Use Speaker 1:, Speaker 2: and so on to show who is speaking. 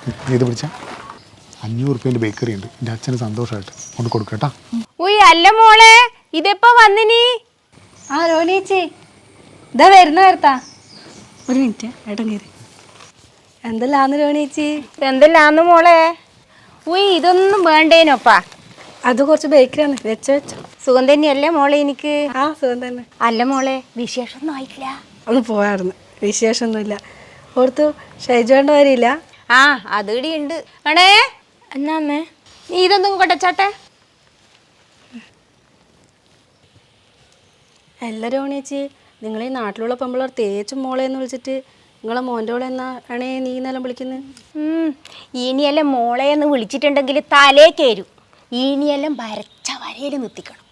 Speaker 1: ഇത് പിടിച്ച 500 റുപ്യേൻ്റെ ബേക്കറി ഉണ്ട്. എൻ്റെ അച്ഛന് സന്തോഷമായിട്ട് കൊണ്ട് കൊടുക്കട്ടാ.
Speaker 2: ഉയ് അല്ല മോളെ, ഇതെപ്പോ വന്നിനി?
Speaker 3: ആ രോനേച്ചി ഇതാ വരുന്ന നേരത്താ. ഒരു മിനിറ്റ് ഏട്ടൻ കയറി. എന്തെല്ലാന്ന് രോനേച്ചി?
Speaker 2: എന്തെല്ലാന്ന് മോളെ? ഉയ് ഇതൊന്നും വേണ്ടേനോപ്പാ.
Speaker 3: അത് കുറച്ച് ബേക്കറിയാണ്, വെച്ചോ.
Speaker 2: സുഖം തന്നെയല്ലേ മോളെ എനിക്ക്?
Speaker 3: ആ സുഖം തന്നെ.
Speaker 2: അല്ല മോളെ, വിശേഷമൊന്നും ആയിട്ടില്ല.
Speaker 3: ഒന്ന് പോയായിരുന്നു, വിശേഷമൊന്നുമില്ല. ഓർത്തു ഷൈജോണ്ട് വരില്ല.
Speaker 2: ആ അത് ഇടിയുണ്ട്. ആണേ
Speaker 3: എന്നാ അമ്മേ?
Speaker 2: നീ ഇതൊന്നും കൊട്ടച്ചാട്ടെ.
Speaker 3: അല്ല രോണിയേച്ചി, നിങ്ങൾ ഈ നാട്ടിലുള്ള പെമ്പിളർ തേച്ചും മോളെന്ന് വിളിച്ചിട്ട് നിങ്ങളെ മോൻ്റെ മോളെ എന്നാ ആണേ നീ എന്നെല്ലാം വിളിക്കുന്നത്?
Speaker 2: ഇനിയെല്ലാം മോളെ എന്ന് വിളിച്ചിട്ടുണ്ടെങ്കിൽ തലേ കയറും. ഇനിയെല്ലാം വരച്ച വരയിൽ നിർത്തിക്കണം.